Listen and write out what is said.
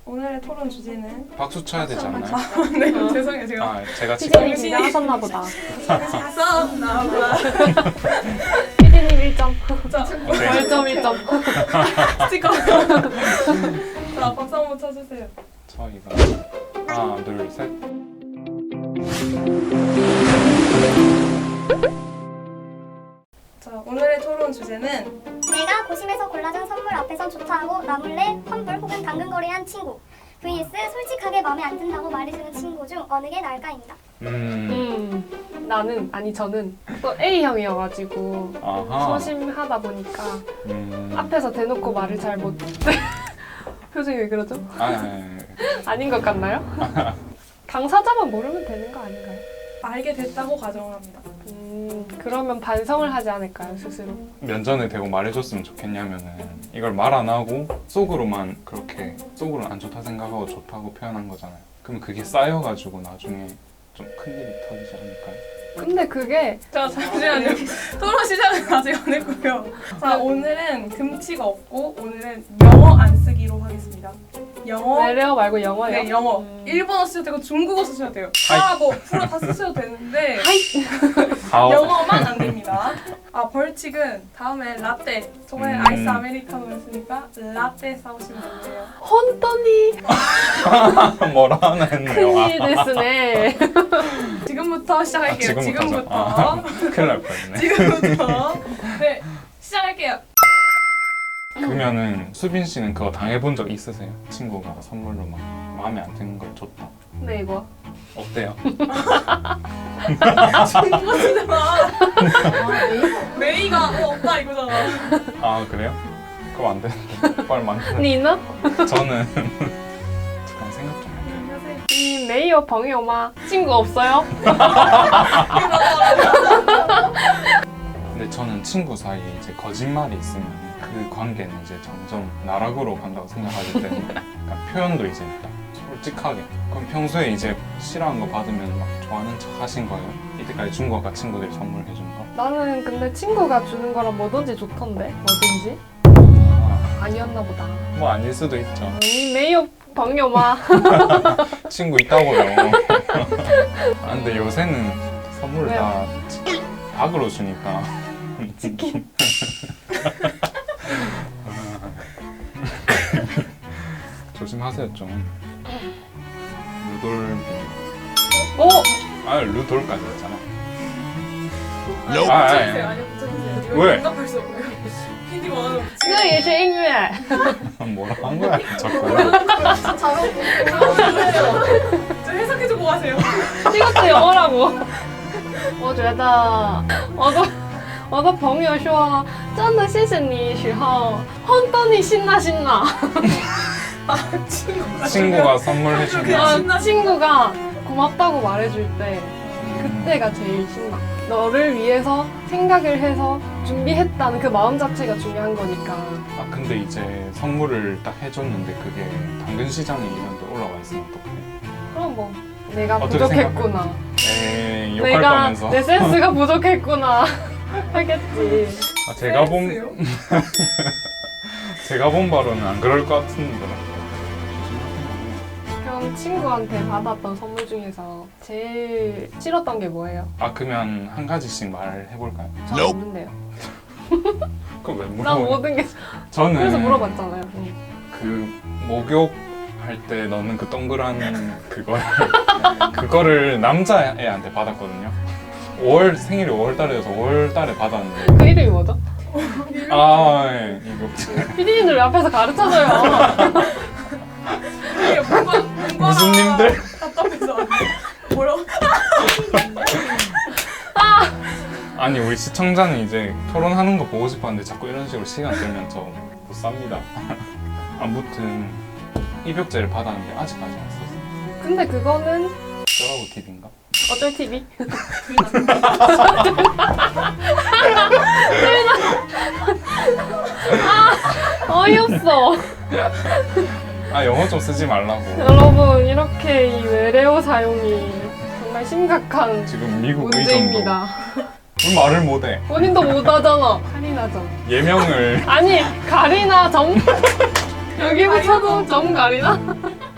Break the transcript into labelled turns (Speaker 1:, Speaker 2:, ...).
Speaker 1: 오늘의 토론 주제는
Speaker 2: 박수 쳐야 되지 않나요?
Speaker 1: 네, 죄송해요. 제가
Speaker 2: 제가 지금
Speaker 3: 피디님 긴장하셨나 보다.
Speaker 1: 싸웠나 봐.
Speaker 3: 피디님 1점.
Speaker 1: 자,
Speaker 3: 벌점 1점.
Speaker 1: 스티커. 자, 박수 한번 쳐주세요.
Speaker 2: 저희가 하나, 둘, 셋.
Speaker 1: 자, 오늘의 토론 주제는
Speaker 4: 내가 고심해서 골라준 선물 앞에선 좋다하고 나 몰래 환불 혹은 당근거래한 친구 vs 솔직하게 마음에 안 든다고 말해주는 친구 중 어느 게 나을까입니다.
Speaker 3: 저는 또 A형이어가지고
Speaker 2: 아하.
Speaker 3: 소심하다 보니까
Speaker 2: 음.
Speaker 3: 앞에서 대놓고 말을 잘 못. 표정이 왜 그러죠? 아닌 것 같나요? 당사자만 모르면 되는 거 아닌가요?
Speaker 1: 알게 됐다고 가정합니다.
Speaker 3: 그러면 반성을 하지 않을까요, 스스로?
Speaker 2: 면전에 대고 말해줬으면 좋겠냐면은 이걸 말 안 하고 속으로만 그렇게 속으로는 안 좋다 생각하고 좋다고 표현한 거잖아요. 그럼 그게 쌓여가지고 나중에 좀 큰일이 터지지 않을까요?
Speaker 3: 근데 그게
Speaker 1: 자, 잠시만요. 토론 시작은 아직 안 했고요. 자, 오늘은 금치가 없고 오늘은 영어 안 쓰기로 하겠습니다. 영어.
Speaker 3: 외래어 말고 영어예요?
Speaker 1: 네, 영어. 일본어 쓰셔도 되고 중국어 쓰셔도 돼요. 다 뭐 프로 다 쓰셔도 되는데 영어만 안 됩니다. 아, 벌칙은 다음에 라떼. 저번에 아이스 아메리카노 했으니까 라떼 사오시면 돼요.
Speaker 3: 혼돈이
Speaker 2: 뭐라 하나 했네요.
Speaker 3: 큰일 됐으네.
Speaker 1: 지금부터 시작할게요.
Speaker 2: 지금부터. 큰일 날 뻔했네.
Speaker 1: 지금부터. 네, 시작할게요.
Speaker 2: 그러면은 수빈 씨는 그거 당해본 적 있으세요? 친구가 선물로 막 마음에 안 드는 걸 줬다.
Speaker 3: 네, 이거.
Speaker 2: 어때요?
Speaker 1: 중국어잖아. 메이가 없다 이거잖아.
Speaker 2: 아 그래요? 그럼 안 되는데. 빨리 만드는.
Speaker 3: 니는?
Speaker 2: 저는 잠깐 생각 좀 할게요.
Speaker 3: 你没有朋友吗? 친구 없어요?
Speaker 2: 근데 저는 친구 사이에 이제 거짓말이 있으면 그 관계는 이제 점점 나락으로 간다고 생각하기 때문에 그러니까 표현도 이제 딱 솔직하게. 그럼 평소에 이제 싫어하는 거 받으면 막 좋아하는 척 하신 거예요? 이때까지 준 거가 친구들이 선물해 준 거?
Speaker 3: 나는 근데 친구가 주는 거랑 뭐든지 좋던데? 뭐든지? 아니었나 보다.
Speaker 2: 뭐 아닐 수도 있죠.
Speaker 3: 你没有朋友吗?
Speaker 2: 친구 있다고요. 아, 근데 요새는 선물을
Speaker 3: 왜요?
Speaker 2: 다 닭으로 주니까.
Speaker 3: 치킨.
Speaker 2: 조심하세요 좀. 루돌비.
Speaker 3: 오!
Speaker 2: 루돌까지 했잖아.
Speaker 1: 붙여주세요. 아니요, 붙여주세요.
Speaker 2: 왜?
Speaker 1: 응답할 수 없고요. PD 원하는
Speaker 3: 这个也是音乐.
Speaker 2: 뭐라 한 거야 자꾸.
Speaker 1: 저 해석해주고 가세요.
Speaker 3: 이것도 영어라고. 我觉得我的朋友说真的谢谢你时候혼돈이 신나
Speaker 2: 친구가 선물해 준 게.
Speaker 3: 친구가 고맙다고 말해줄 때 그때가 제일 신나. 너를 위해서 생각을 해서 준비했다는 그 마음 자체가 중요한 거니까.
Speaker 2: 아 근데 이제 선물을 딱 해줬는데 그게 당근 시장에 이런 데 올라와 있으면 어떡해?
Speaker 3: 그럼 뭐 내가
Speaker 2: 어떻게
Speaker 3: 부족했구나.
Speaker 2: 에이 욕할
Speaker 3: 내가
Speaker 2: 거면서.
Speaker 3: 내 센스가 부족했구나 하겠지.
Speaker 2: 아, 제가 본 바로는 안 그럴 것 같은데.
Speaker 3: 그럼 친구한테 받았던 선물 중에서 제일 싫었던 게 뭐예요?
Speaker 2: 아 그러면 한 가지씩 말해볼까요?
Speaker 3: 잘 없는데요.
Speaker 2: 그럼 왜
Speaker 3: 난
Speaker 2: 물어봐요?
Speaker 3: 모든 게
Speaker 2: 저는
Speaker 3: 그래서 물어봤잖아요.
Speaker 2: 그 목욕 할 때 넣는 그 동그란 그거를 남자애한테 받았거든요. 생일이 5월달이어서 5월달에 받았는데.
Speaker 3: 그 이름이 뭐죠?
Speaker 2: 예, 이거
Speaker 3: 피디님들 왜 앞에서 가르쳐줘요.
Speaker 1: 이게 뭔가
Speaker 2: 무슨 님들?
Speaker 1: 답답해서 안 돼. 뭐라고?
Speaker 2: 아니 우리 시청자는 이제 토론하는 거 보고 싶었는데 자꾸 이런 식으로 시간 들면 저 못 삽니다. 아무튼 입욕제를 받았는데 아직까지 안 썼어요.
Speaker 3: 근데 그거는
Speaker 2: 저라고 팁인가?
Speaker 3: 어쩔 TV? 어이없어.
Speaker 2: 영어 좀 쓰지 말라고.
Speaker 3: 여러분 이렇게 이 외래어 사용이 정말 심각한
Speaker 2: 지금 미국
Speaker 3: 문제입니다.
Speaker 2: 왜 말을 못해?
Speaker 3: 본인도 못하잖아. 카리나점.
Speaker 2: 예명을
Speaker 3: 아니 가리나점. 여기 붙여도 점 가리나?